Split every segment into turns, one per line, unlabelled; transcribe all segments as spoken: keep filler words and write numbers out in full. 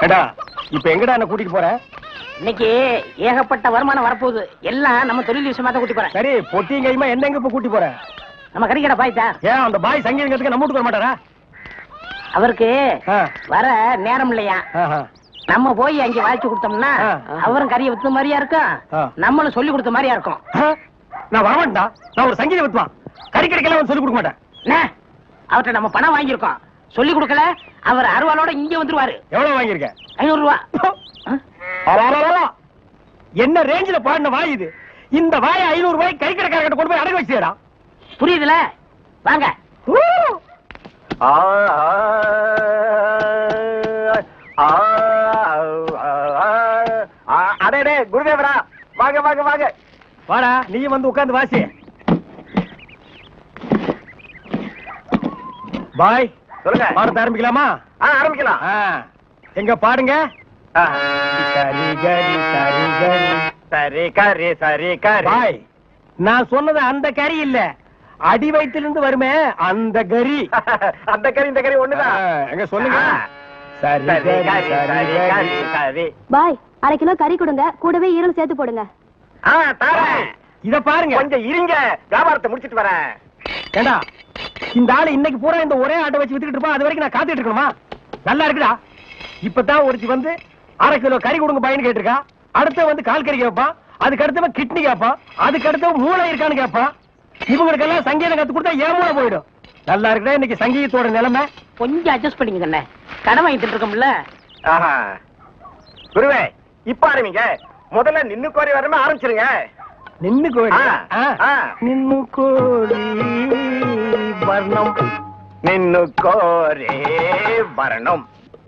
ஏடா இப்ப எங்கடா என்ன கூட்டிட்டு போற?
இன்னைக்கு ஏகப்பட்ட வருமானம் வரப்போகுது. எல்லாம் நம்ம தொழில் விஷயமா தான் கூட்டி போறேன்.
சரி, பொட்டியும் கையுமா என்ன எங்க இப்ப கூட்டி போற?
நம்ம கறிக்கடை பாய்த்தா.
ஏன் அந்த பாய் சங்கீதத்துக்கு நம்ம வீட்டுக்கு வர மாட்டாரா?
அவருக்கு வர நேரம் இல்லையா? நம்ம போய் அங்க வாய்ச்சி கொடுத்தோம்னா அவரும் கறியை வித்த மாதிரியா இருக்கும், நம்மளும் சொல்லி கொடுத்த மாதிரியா இருக்கும்.
நான் வரமாட்டா, நான் ஒரு சங்கீத வித்துவான். கறிக்கடைக்கெல்லாம் சொல்லி கொடுக்க மாட்டேன்.
அவர்கிட்ட நம்ம பணம் வாங்கியிருக்கோம், சொல்லி கொடுக்கல. அவர் அருவாளோட இங்க வந்துருவாரு.
எவ்வளவு வாங்கியிருக்க?
ஐநூறு ரூபா.
என்ன ரேஞ்சில பாடின வாய் இது? இந்த வாயை ஐநூறு ரூபாய் கறிக்கடைக்காரர்கிட்ட கொண்டு போய் அடகு வச்சுடா.
புரியுதுல? வாங்க.
அடே குருதேவரா, வாங்க வாங்க வாங்க. வாடா, நீ வந்து உட்கார்ந்து வாசி. பாய் சொல்லுங்க, பாடத்தை ஆரம்பிக்கலாமா? ஆரம்பிக்கலாம். எங்க பாடுங்க. சரி கரி சரி கரி சரி கரி சரி கரி. பாய், நான் சொன்னது அந்த கறி இல்ல, அடி வயிற்றிலிருந்து வருமே அந்த கறி. அந்த கறி இந்த கறி ஒண்ணுதான். எங்க சொல்லுங்க. சரி கரி சரி கரி சரி.
பாய், அரை கிலோ கறி கொடுங்க, கூடவே ஈரல் சேர்த்து போடுங்க.
இத பாருங்க, கொஞ்சம் இருங்க, வியாபாரத்தை முடிச்சிட்டு வரேன். ஏண்டா, இந்த ஆளு இன்னைக்கு பூரா இந்த ஒரே ஆட்டை வச்சு வித்துக்கிட்டு இருப்பான், அது வரைக்கும் நான் காத்துட்டு இருக்கணுமா? நல்லா இருக்குடா. இப்பதான் ஒருத்தி வந்து அரை கிலோ கறி கொடுங்க பாயின்னு கேட்டிருக்கா. அடுத்த வந்து கால் கறி கேட்பான், அதுக்கு அடுத்தவன் கிட்னி கேட்பான், அதுக்கு அடுத்தவன் மூளை இருக்கான்னு கேட்பான். இவங்களுக்கெல்லாம் சங்கீதம் கத்து கொடுத்தா ஏன் மூளை போயிடும். நல்லா இருக்குடா இன்னைக்கு சங்கீதத்தோட நிலைமை.
கொஞ்சம் அட்ஜஸ்ட் பண்ணிக்க கண்ணே, கடன் வாங்கிட்டு இருக்கோம்ல.
குருவே, இப்ப ஆரம்பிங்க. முதல்ல நின்னு கோரி வரமே ஆரம்பிச்சிருங்க.
நின்னு கோரி நின்னு கோரி வர்ணம்
நின்னு கோரே வரணும்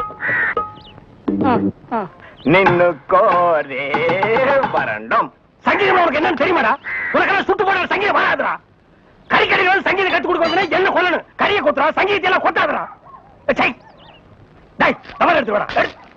நின்னு கோரே வரணும்.
சங்கீதம் உனக்கு என்னன்னு தெரியுமாடா? உனக்கெல்லாம் சுட்டு போட சங்கீதம் வராதுடா. கறி கடையில் சங்கீதம் கத்து கொடுக்க என்ன கொல்லணும்? கறியை கொத்துறா, சங்கீதத்தை எல்லாம் கொத்தாதுடா. தவறு எடுத்து வாடா.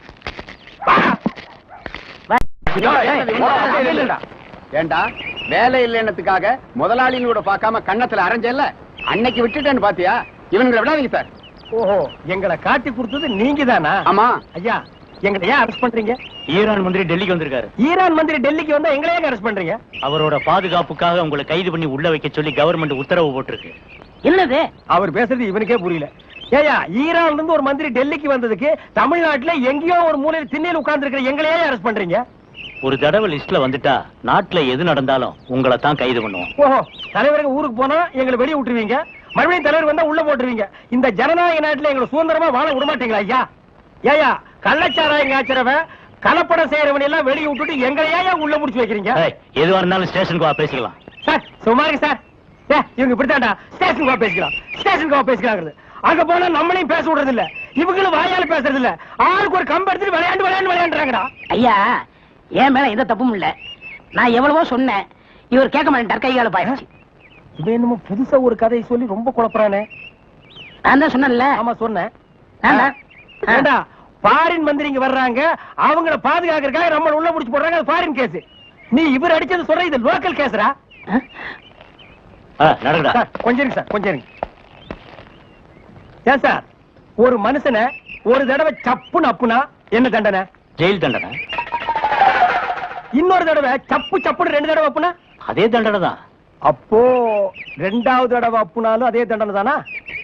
ஏண்டா, வேலை இல்லைன்னதுக்காக முதலாளிகளோட பார்க்காம கண்ணத்துல அரைஞ்சல்ல, அன்னைக்கு விட்டுட்டேன்னு பாத்தியா? இவங்களை விடாதீங்க சார்.
ஓஹோ, எங்களை காட்டி கொடுத்தது நீங்க தானா?
ஆமா
ஐயா, எங்களை ஏன் அரெஸ்ட் பண்றீங்க?
ஈரான் மந்திரி டெல்லிக்கு வந்திருக்காரு.
ஈரான் மந்திரி டெல்லிக்கு வந்தா எங்களை ஏன் அரெஸ்ட் பண்றீங்க?
அவரோட பாதுகாப்புக்காக உங்களை கைது பண்ணி உள்ள வைக்க சொல்லி கவர்மெண்ட் உத்தரவு போட்டிருக்கு.
என்னது
அவர் பேசுறது இவனுக்கே புரியல. ஏயா, ஈரான்ல இருந்து ஒரு மந்திரி டெல்லிக்கு வந்ததுக்கு தமிழ்நாட்டுல எங்கேயோ ஒரு மூலையில் திண்ணையில் உட்கார்ந்து இருக்கிற எங்களையே அரெஸ்ட் பண்றீங்க?
ஒரு தடவை லிஸ்ட்ல வந்துட்டா நாட்டுல எது நடந்தாலும் உங்களை தான் கைது பண்ணுவோம்.
ஓஹோ, தலைவருக்கு ஊருக்கு போனா எங்களை வெளியே விட்டுருவீங்க, மறுபடியும் தலைவர் வந்தா உள்ள போட்டுருவீங்க. இந்த ஜனநாயக நாட்டுல எங்களை சுதந்திரமா வாழ விட மாட்டீங்களா ஐயா? ஏயா, கள்ளச்சாராயம் காய்ச்சறவன் கலப்படம் செய்யறவன் எல்லாம் வெளியே விட்டுட்டு எங்களையா உள்ள முடிச்சு வைக்கிறீங்க?
எதுவா இருந்தாலும் ஸ்டேஷனுக்கு வா பேசிக்கலாம்.
சார் சுமாரி சார், இவங்க இப்படித்தாண்டா ஸ்டேஷனுக்கு வா பேசிக்கலாம், ஸ்டேஷனுக்கு வா பேசிக்கலாம். அங்க போனா நம்மளையும் பேச விடுறது இல்ல, இவங்களும் வாயால பேசுறது இல்ல. ஆளுக்கு ஒரு கம்பு எடுத்துட்டு விளையாண்டு விளையாண்டு விளையாண்டுறாங்கடா.
ஐயா, என் மேல எந்த தப்பும் இல்ல. நான் எவ்வளவோ சொன்னேன், இவர் கேட்க மாட்டேன். கைகால பாயிடுச்சு.
இவன் என்னமோ புதுசா ஒரு கதையை சொல்லி ரொம்ப குழப்பறானே.
நான் தான் சொன்னேன்ல.
ஆமா சொன்னேன். ஏண்டா, ஃபாரின் மந்திரிங்க வர்றாங்க, அவங்கள பாதுகாக்கிறதுக்காக நம்ம உள்ள முடிச்சு போடுறாங்க, அது ஃபாரின் கேஸ். நீ இவர் அடிச்சது சொல்ற, இது லோக்கல் கேஸ்ரா.
நடக்குதா?
கொஞ்சம் இருங்க சார், கொஞ்சம் இருங்க. ஏன் சார், ஒரு மனுஷனை ஒரு தடவை சப்புன்னு அப்புனா என்ன தண்டனை?
ஜெயில் தண்டனை.
இன்னொரு தடவை சப்பு சப்புன்னு ரெண்டு தடவை அப்புனா
அதே தண்டனை தான். அப்போ
ரெண்டாவது தடவை அப்புனாலும் அதே தண்டனை தானா?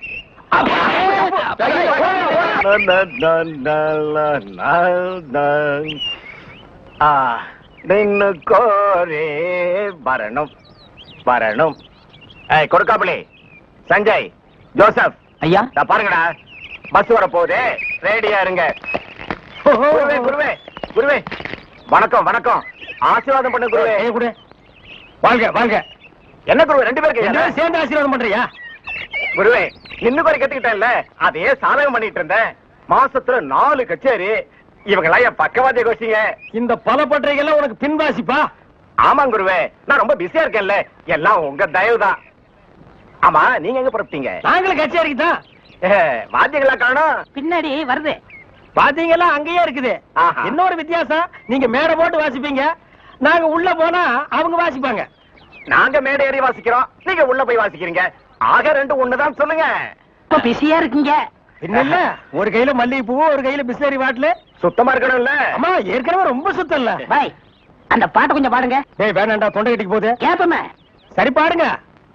நின்னு கோரே வரணும் வரணும். கொடுக்காமலே சஞ்சய், ஜோசப்
ஐயா
பாருங்கடா, பஸ் வர போகுது, ரெடியா இருங்க. குருவே குருவே குருவே, வணக்கம் வணக்கம், ஆசீர்வாதம் பண்ண குருவே.
குரு வாங்க வாங்க.
என்ன குருவே, ரெண்டு பேருக்கு
சேர்ந்து ஆசீர்வாதம் பண்றியா?
குருவே, இன்னும் குறை கத்துக்கிட்டேன்ல, அதே சாதகம் பண்ணிட்டு இருந்தேன். மாசத்துல நாலு கச்சேரி, இவங்களா என் பக்கவாதிய கோஷிங்க.
இந்த பல பற்றைகள்லாம் உனக்கு பின்வாசிப்பா?
ஆமாம் குருவே, நான் ரொம்ப பிஸியா இருக்கேன்ல, எல்லாம் உங்க தயவுதான். ஆமா, நீங்க எங்க புறப்பட்டீங்க?
நாங்களும் கச்சேரிக்கு தான்.
வாத்தியங்களா காணோம்?
பின்னாடி வருது.
வாத்தியங்களா அங்கேயே இருக்குது. இன்னொரு வித்தியாசம், நீங்க மேடை போட்டு வாசிப்பீங்க, நாங்க உள்ள போனா அவங்க வாசிப்பாங்க.
நாங்க மேடை ஏறி வாசிக்கிறோம், நீங்க உள்ள போய் வாசிக்கிறீங்க. ஆக ரெண்டு ஒண்ணுதான் சொல்லுங்க.
பிஸியா இருக்கீங்க.
இல்ல ஒரு கையில மல்லிகை பூ ஒரு கையில பிஸ்லரி பாட்டில்
சுத்தமா இருக்கணும்ல.
அம்மா ஏற்கனவே ரொம்ப சுத்தம் இல்ல.
பாய் அந்த பாட்டை கொஞ்சம் பாடுங்க.
டேய் வேணாண்டா, தொண்டை கட்டிக்கு போகுது.
கேப்பமே.
சரி பாடுங்க.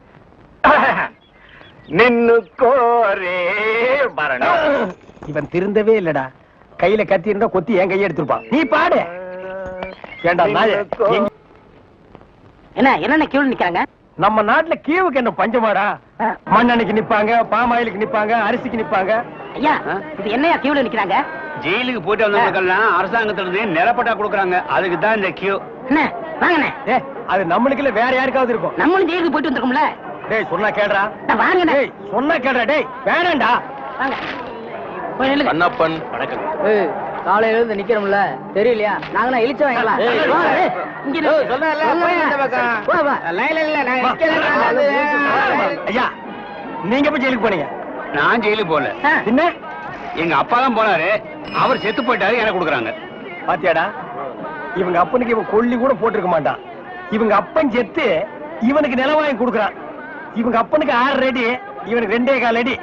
நின்னு கோரே மரணம்.
இவன் திருந்தவே இல்லடா. கையில கத்தி இருந்தா கொத்தி என் கையை எடுத்துருப்பான். நீ பாடு. ஏண்டா நாயே, எங்க-
என்ன என்னென்ன கியூல நிக்கிறாங்க?
நம்ம நாட்டுல கீவுக்கு என்ன பஞ்சமாடா? மண்ணெண்ணைக்கு நிப்பாங்க, பாமாயிலுக்கு நிப்பாங்க, அரிசிக்கு நிப்பாங்க.
ஐயா இது என்னையா கியூல நிக்கிறாங்க?
ஜெயிலுக்கு போயிட்டு வந்தவங்களுக்கெல்லாம் அரசாங்கத்துல இருந்து நிலப்பட்டா கொடுக்குறாங்க. அதுக்கு தான் இந்த கியூ.
என்ன வாங்கண்ணே.
ஏ அது நம்மளுக்கு இல்ல, வேற யாருக்காவது இருக்கும்.
நம்மளும் ஜெயிலுக்கு போயிட்டு வந்திருக்கோம்ல.
டேய் சொன்னா கேடுறா.
வாங்கண்ணே.
டேய் சொன்னா கேடுறா. டேய் வேணாண்டா.
வாங்க போய் நில்லுங்க.
கண்ணப்பன் வணக்கம்.
காலையில இருந்து நிக்கிறோம்ல, தெரியலையா? நாங்களாம் இழிச்ச வாங்கலாம். இங்க
ஐயா நீங்க போய் ஜெயிலுக்கு போனீங்க?
நான் ஜெயிலுக்கு போல.
என்ன
எங்க அப்பா தான் போனாரு. அவர் செத்து போயிட்டாரு, எனக்கு கொடுக்குறாங்க.
பாத்தியாடா, இவங்க அப்பனுக்கு இவன் கொல்லி கூட போட்டிருக்க மாட்டான். இவங்க அப்பன் செத்து இவனுக்கு நிலம் வாங்கி கொடுக்குறான். இவங்க அப்பனுக்கு ஆறு அடி, இவனுக்கு ரெண்டே கால் அடி.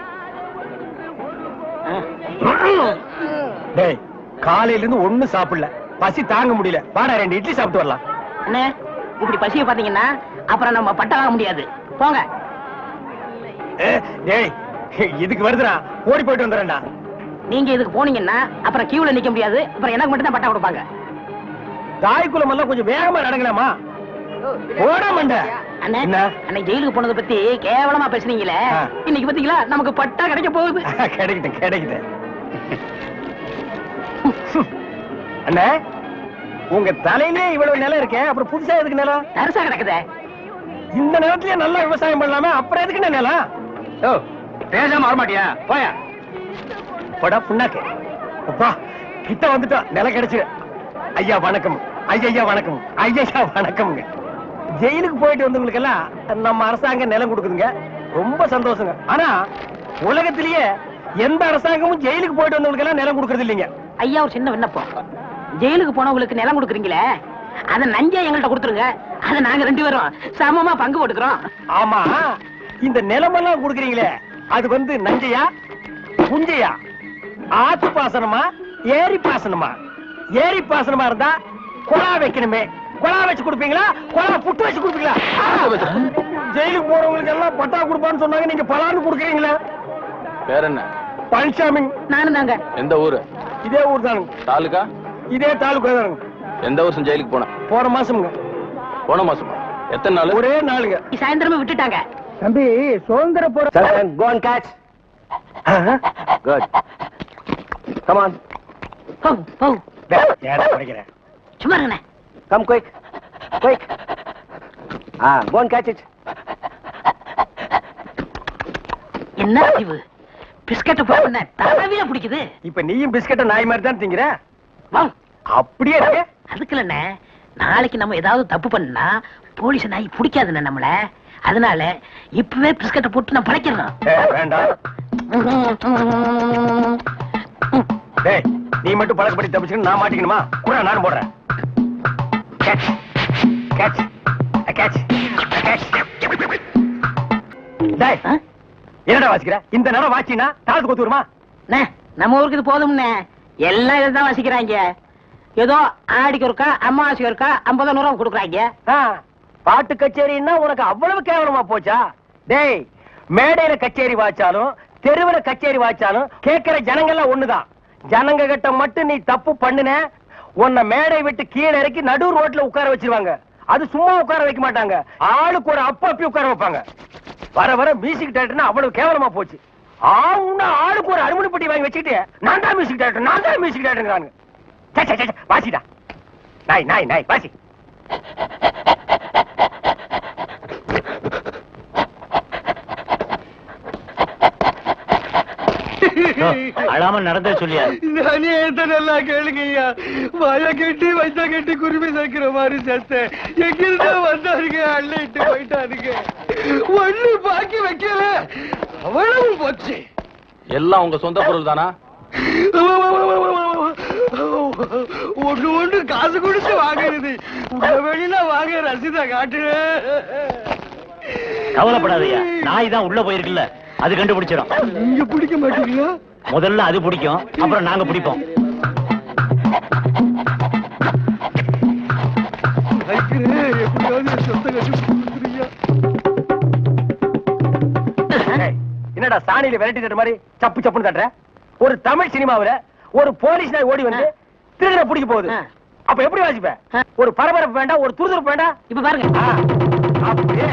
டேய் காலையில இருந்து ஒண்ணும் சாப்பிடல, பசி தாங்க முடியல. வாடா ரெண்டு இட்லி சாப்பிட்டு வரலாம்.
அண்ணே இப்படி பசிய பாத்தீங்கன்னா அப்புறம் நம்ம பட்ட வாங்க முடியாது. போங்க.
ஏ, டேய் இதுக்கு வருதுடா, ஓடி போயிட்டு வந்துடுறேன்டா.
நீங்க இதுக்கு போனீங்கன்னா அப்புறம் கியூல நிக்க முடியாது. அப்புறம் எனக்கு மட்டும் தான் பட்டா கொடுப்பாங்க.
தாய்க்குளம் எல்லாம் கொஞ்சம் வேகமா நடங்கலாமா? ஓட மாட்ட.
அண்ணே
என்ன?
அன்னைக்கு ஜெயிலுக்கு போனதை பத்தி கேவலமா பேசுனீங்களே,
ஆ.
இன்னைக்கு பாத்தீங்களா நமக்கு பட்டா கிடைக்க போகுது.
கிடைக்கிட்டு கிடைக்கிட்டு அண்ணே உங்க தலையிலே இவ்வளவு நிலம் இருக்கே, அப்புறம் புதுசா எதுக்கு நிலம்?
தரிசா கிடக்குதே.
இந்த நிலத்திலேயே நல்லா விவசாயம் பண்ணலாமே, அப்புறம் எதுக்கு நிலம்?
ஓ பேசாம வரமாட்டியா? போயா.
போடா புண்ணாக்கு. அப்பா கிட்ட வந்துட்டோம், நிலம் கிடைச்சு. ஐயா வணக்கம். ஐயா வணக்கம். ஐயா வணக்கம்ங்க. ஜெயிலுக்கு போயிட்டு வந்தவங்களுக்கு எல்லாம் நம்ம அரசாங்கம் நிலம் கொடுக்குதுங்க, ரொம்ப சந்தோஷங்க. ஆனா உலகத்திலேயே எந்த அரசாங்கமும் ஜெயிலுக்கு போயிட்டு வந்தவங்களுக்கு எல்லாம் நிலம் கொடுக்கறது இல்லைங்க.
ஐயா ஒரு சின்ன விண்ணப்பம். ஜெயிலுக்கு போனவங்களுக்கு நிலம் கொடுக்குறீங்களே, அத நஞ்சா எங்கள்கிட்ட கொடுத்துருங்க. அத நாங்க ரெண்டு பேரும் சமமா பங்கு போட்டுக்கிறோம்.
ஆமா, இந்த நிலமெல்லாம் கொடுக்குறீங்களே, அது வந்து நஞ்சையா புஞ்சையா, ஆத்து பாசனமா ஏரி பாசனமா? ஏரி பாசனமா இருந்தா குழா வைக்கணுமே, குழா வச்சு கொடுப்பீங்களா, குழா புட்டு வச்சு கொடுப்பீங்களா? ஜெயிலுக்கு போறவங்களுக்கு எல்லாம் பட்டா கொடுப்பான்னு சொன்னாங்க, நீங்க பலான்னு கொடுக்குறீங்களா?
வேற என்ன?
பழனிசாமி.
நானும் தாங்க.
எந்த ஊரு?
இதே ஊர் தானுங்க.
தாலுகா?
இதே தாலுக்கா தானுங்க.
எந்த வருஷம் ஜெயிலுக்கு போன?
போன மாசம்ங்க.
போன மாசமா? எத்தனை நாள்?
ஒரே நாளுங்க.
சாயந்தரமே விட்டுட்டாங்க.
தம்பி சுதந்திர போற go and catch. Good. Come on.
போ போ.
ஏடா படிக்கிறேன்.
சும்மா இருங்கண்ணே.
Come quick. Quick. Ah, go and catch it.
என்ன அறிவு, பிஸ்கட் போடுன தடவில பிடிக்குது.
இப்ப நீயும் பிஸ்கட்ட நாய் மாதிரி தான் திங்கிற.
வா.
அப்படியே இருக்கு.
அதுக்கு இல்லண்ணே, நாளைக்கு நம்ம ஏதாவது தப்பு பண்ணா போலீஸ் நாய் பிடிக்காதுண்ணே நம்மள. அதனால இப்பவே பிஸ்கட்டை போட்டு நான் பழைக்கிறோம்.
ஏய், வேண்டாம். டேய் நீ மட்டும் பழக்கப்படி தப்பிச்சுன்னு நான் மாட்டிக்கணுமா? கூட நான் போடுறேன். Catch. Catch. Catch. Catch. டேய் என்னடா வாசிக்கிற? இந்த நேரம் வாச்சினா தாளத்து கொத்து வருமா?
நம்ம ஊருக்கு இது போதும்ண்ணே, எல்லாம் இதுதான் வாசிக்கிறாங்க. ஏதோ ஆடிக்கு ஒருக்கா அம்மாவாசைக்கு ஒருக்கா ஐம்பது நூறு கொடுக்குறாங்க.
பாட்டு கச்சேரின்னா உனக்கு அவ்வளவு கேவலமா போச்சா? டேய் மேடையில கச்சேரி வாச்சாலும் தெருவுல கச்சேரி வாச்சாலும் கேட்கிற ஜனங்கள்லாம் ஒண்ணுதான். ஜனங்க கிட்ட மட்டும் நீ தப்பு பண்ணுன, உன்னை மேடை விட்டு கீழே இறக்கி நடு ரோட்ல உட்கார வச்சிருவாங்க. அது சும்மா உட்கார வைக்க மாட்டாங்க, ஆளுக்கு ஒரு அப்ப அப்பி உட்கார வைப்பாங்க. வர வர மியூசிக் டைரக்டர்னா அவ்வளவு கேவலமா போச்சு. ஆவுன்னா ஆளுக்கு ஒரு அருமணி பெட்டி வாங்கி வச்சுக்கிட்டு நான் தான் மியூசிக் டைரக்டர், நான் தான் மியூசிக் டைரக்டர். வாசிடா நாய் நாய் நாய் வாசி.
அழாம நடந்தே சொல்லியா?
நானே நல்லா கேளுங்கய்யா. வாய கட்டி வயசா கட்டி குருவி சேர்க்கிற மாதிரி சேர்த்தேன். எங்கிருந்தா வந்தாருங்க, அள்ளிட்டு போயிட்டாருங்க. ஒண்ணு பாக்கி வைக்கல, அவ்வளவு போச்சு.
எல்லாம் உங்க சொந்த பொருள் தானா?
ஒண்ணு ஒண்ணு காசு கொடுத்து வாங்குறது, உங்க வெளியில வாங்க ரசீதா காட்டு.
கவலைப்படாதயா, நாய் தான் உள்ள போயிருக்குல்ல, அது கண்டுபிடிச்சிடும்.
நீங்க பிடிக்க மாட்டீங்களா?
முதல்ல அது பிடிக்கும், அப்புறம் நாங்க பிடிப்போம்.
என்னடா சாணியில விரட்டி தட்ட மாதிரி சப்பு சப்புன்னு தட்டுற? ஒரு தமிழ் சினிமாவுல ஒரு போலீஸ் நாய் ஓடி வந்து திருடனை பிடிக்க போகுது. அப்ப எப்படி வாசிப்ப? ஒரு பரபரப்பு வேண்டாம், ஒரு துருதுருப்பு வேண்டாம்.
இப்ப பாருங்க.
அப்படியே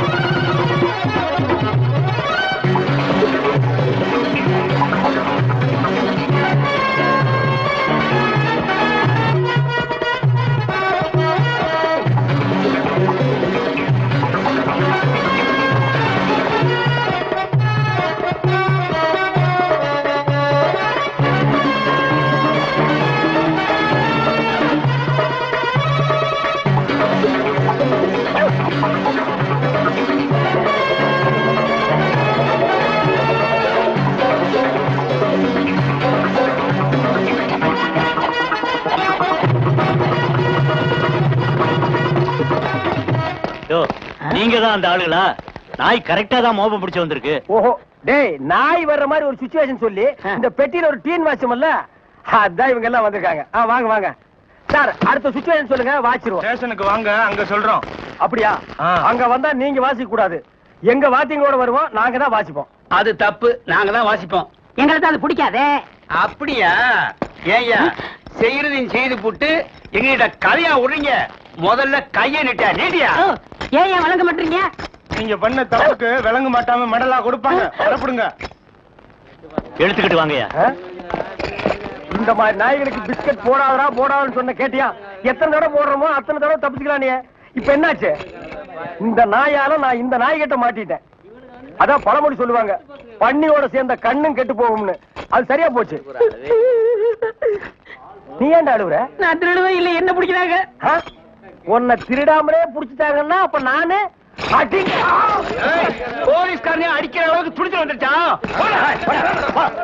நீங்க தான் அந்த ஆளுங்களா? நாய் கரெக்டா தான் மோப்பம் பிடிச்சு வந்திருக்கு.
ஓஹோ, டேய் நாய் வர்ற மாதிரி ஒரு சிச்சுவேஷன் சொல்லி இந்த பெட்டியில ஒரு டீன் வாட்சமல்ல, அதான் இவங்க எல்லாம் வந்திருக்காங்க. ஆ வாங்க வாங்க சார், அடுத்த சிச்சுவேஷன் சொல்லுங்க, வாச்சிருவோம்.
ஸ்டேஷனுக்கு வாங்க, அங்க சொல்றோம்.
அப்படியா? அங்க வந்தா நீங்க வாசிக்க கூடாது, எங்க வாத்தியங்களோட வருவோம், நாங்க தான் வாசிப்போம்.
அது தப்பு, நாங்க தான் வாசிப்போம்.
எங்களுக்கு அது பிடிக்காதே.
அப்படியா? ஏய்யா, செய்யறதையும் செய்து போட்டு எங்ககிட்ட கதையா விடுறீங்க. முதல்ல கைய நிட்ட நீட்டியா?
ஏன் ஏன் வழங்க மாட்டீங்க?
நீங்க பண்ண தப்புக்கு விளங்க மாட்டாம மெடலா கொடுப்பாங்க. வரப்படுங்க.
எடுத்துக்கிட்டு வாங்கயா.
இந்த மாதிரி நாய்களுக்கு பிஸ்கட் போடாதடா போடாதுன்னு சொன்ன கேட்டியா? எத்தனை தடவை போடுறோமோ அத்தனை தடவை தப்பிச்சுக்கலாம். நீ இப்ப என்னாச்சு? இந்த நாயால நான் இந்த நாய்கிட்ட மாட்டிட்டேன். அதான் பழமொழி சொல்லுவாங்க, பன்னியோட சேர்ந்த கண்ணும் கெட்டு போகும்னு. அது சரியா போச்சு. நீ ஏன்டா அழுவுற?
நான் திருடுவே இல்ல, என்ன பிடிக்கிறாங்க?
உன்னை திருடாமலே புடிச்சிட்டாங்கன்னா அப்ப நானு
போலீஸ்காரனே அடிக்கிற அளவுக்கு துடிச்சு வந்துருச்சான்.